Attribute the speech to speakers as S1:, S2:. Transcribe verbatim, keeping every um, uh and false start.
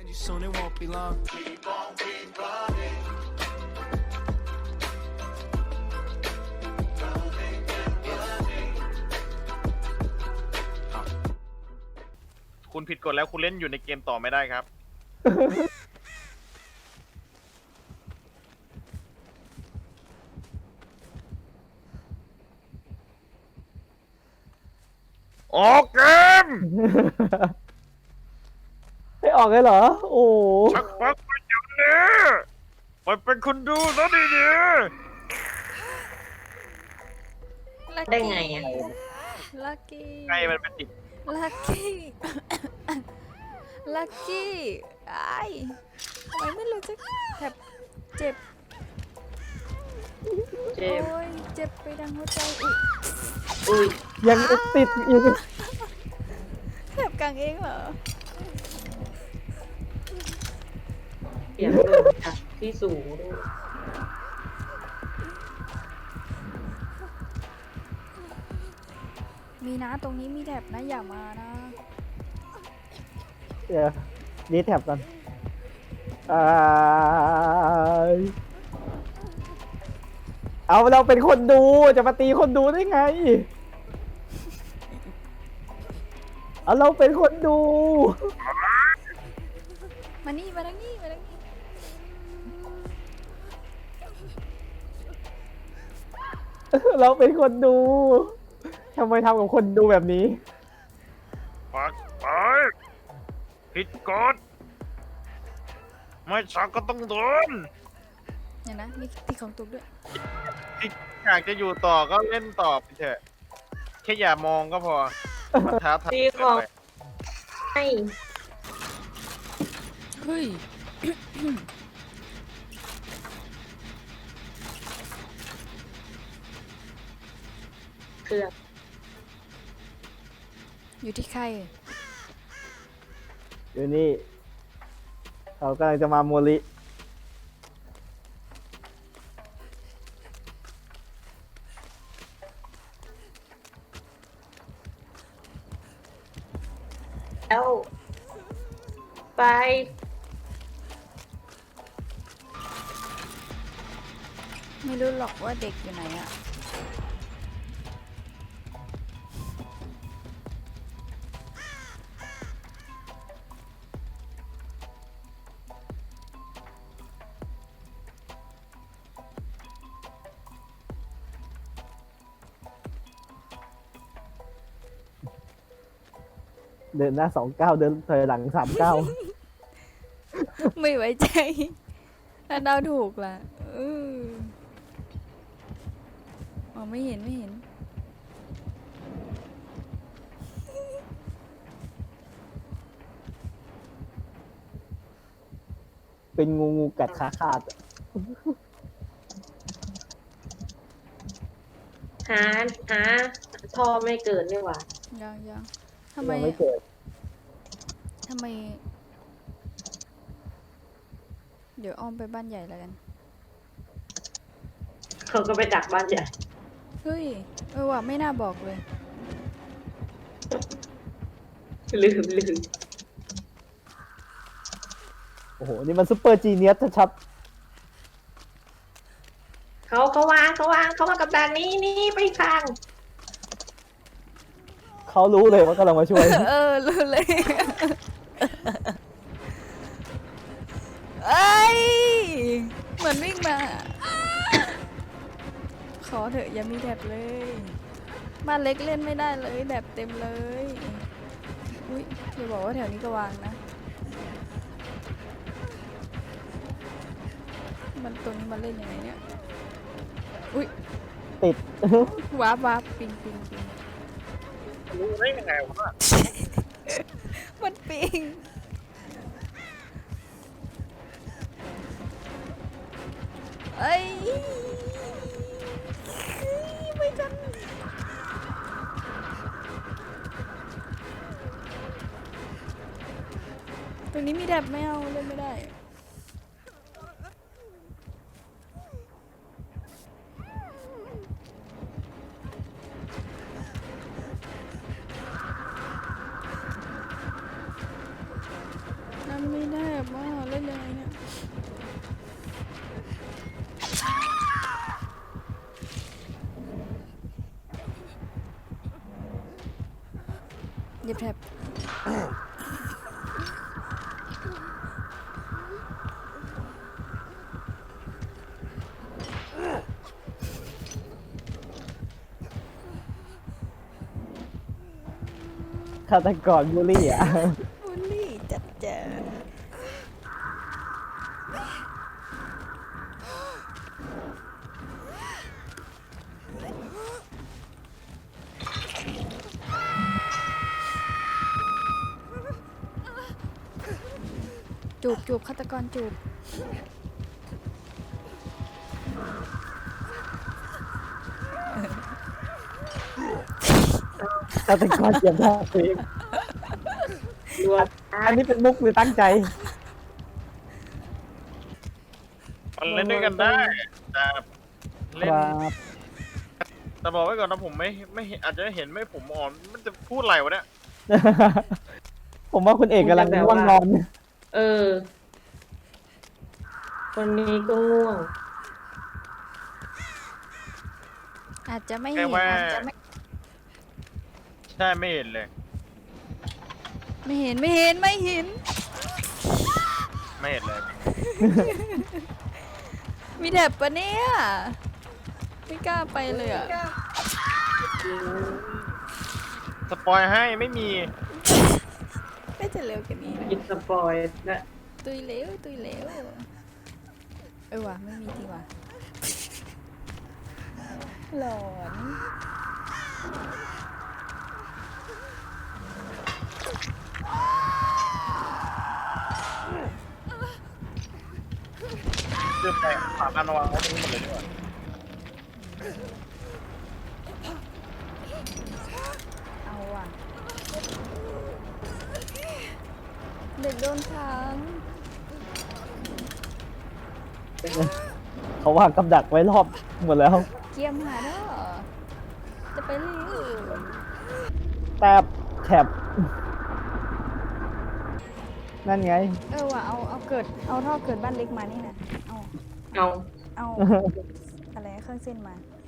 S1: Soon it won't be long.
S2: Keep on keep running. Running and running.
S3: คุณผิดกฎแล้วคุณเล่นอยู่ในเกมต่อไม่ได้ครับ ออกเกม
S4: ไม่ออกเลยเหรอ โอ้
S3: ชักปักไปอย่างนี้ไปเป็นคนดูซะดี
S5: ได้ไงอ่ะ
S6: ลักกี้
S3: ๆไงมันเป็นติด
S6: ลักกี้ ลักกี้ไอ้ทำไมไม่รู้จะแทบเจ็บ
S5: เจ็บ
S6: โอ้ยเจ็บไปดังหัวใจอุ๊ย
S5: อุ้ย
S4: ยังติดอีก
S6: แทบกลางเองเหรอ
S5: เสียงลมจากที่สูงด้วย
S6: มีนะตรงนี้มีแถบนะอย่ามานะ
S4: เดี๋ยวดีแท็บกันอ่าเอาเราเป็นคนดูจะมาตีคนดูได้ไง เอาเราเป็นคนดู
S6: มานี่มาทางนี้มาทางนี้
S4: เราเป็นคนดูทำไมทำกับคนดูแบบนี้
S3: ปักไปผิดกฎไม่ชักก็ต้องโดน
S6: เนี่ยนะมีตีของตุกด้วย
S3: ที่อยากจะอยู่ต่อก็เล่นต่อไปเถอะแค่อย่ามองก็พอมันท้าทาย
S5: ตี
S3: เกิ
S5: ขอน ง
S3: ไป
S5: ให้
S6: เฮ้ย
S5: เครื่อง
S6: อยู่ที่ใคร
S4: อยู่นี่เขากำลังจะมาโมลิ
S5: แล้วไป
S6: ไม่รู้หรอกว่าเด็กอยู่ไหนอะ
S4: เดินหน้าสองเก้าเดินถอยหลังสามเก้า
S6: ไม่ไว้ใจถ้าเดาถูกล่ะเอออ๋อไม่เห็นไม่เห็น
S4: เป็นงูงูกัดขาขาดอะ
S5: หาหาท่อไม่เกิดนี่หว่า
S6: ยังยังทำไม
S4: ยังไม่เกิด
S6: ทำไม เดี๋ยวอ้อมไปบ้านใหญ่แล้วกัน
S5: เขาก็ไปดักบ้านใหญ่
S6: เฮ้ย เออว่ะไม่น่าบอกเลย
S5: ลืมลืม
S4: โอ้โห นี่มันซุปเปอร์จีเนียสชัด
S5: เขาเขาวางเขาวางเขามากับดักนี้นี่ไปอีกทาง
S4: ๆเขารู้เลยว่ากำลังมาช่วย
S6: เออรู้เลย เอ้ย เหมือนวิ่งมา ขอเถอะอย่ามีแถบเลย บ้านเล็กเล่นไม่ได้เลยแถบเต็มเลย อุ้ยอย่าบอกว่าแถวนี้ก็วางนะ มันตัวนี้มาเล่นยังไงเนี่ย อุ้ย
S4: ติด
S6: วาร์ปวาร์ปปิงปิงปิง
S3: รู้ได้ยังไงวะ
S6: มันปิง เอ้ยไม่กัน ตรงนี้มีแถบไม่เอาเล่นไม่ได้ นั่นไม่ได้บมากเล่นยังไงเนี่ยเหยียบแถบ
S4: ฆาตกรบูลลี่อ่ะ
S6: บูลลี่จัดแจงจูบจูบฆาตกรจูบ
S4: ฆาตกรเจ็บหน้าตัวเอง
S5: รวม
S4: อันนี้เป็นมุกหรือตั้งใจ
S3: มันเล่นด้วยกันได้ แต่
S4: ค
S3: เล่น
S4: รับ
S3: แต่บอกไว้ก่อนนะผมไม่ไม่เห็นอาจจะเห็นไม่ผมอ่อนมันจะพูดอะไรวะเนี่ย
S4: ผมว่าคุณเอกกำลังง่วงนอน
S5: เออคนนี้ก็ง่วง
S6: อาจจะไม่
S3: แค่
S6: เห็น
S3: ว่า
S6: อาจจะไม่
S3: ใช่ไม่เห็นเลย
S6: ไม่เห็นไม่เห็นไม่เห็น
S3: ไม่เห็นเลย
S6: มีแถบปะเนี่ยไม่กล้าไปเลยอ่ะ
S3: สปอยให้ไม่มี
S6: น่าจะเร็วกว่านี้นะ
S5: กินสปอยนะ
S6: ตุยเร็วตุยเร็วเออว่ะไม่มีทีว่ะหลอน
S3: เรื่องแปลกฝากอันวางไว้ตรงนี้หมดเลยดีกว่า
S6: เอาว่ะเด็กโดนขัง
S4: เขาวางกับดักไว้รอบหมดแล้ว
S6: เกียมหาเด้อจะไปเร็ว
S4: แตบแถบนั่นไง
S6: เออว่ะเอาเอาเกิดเอาท่อเกิดบ้านเล็กมานี่นะเอา
S5: เอา
S6: เอาอะไรเครื่องเส้นมา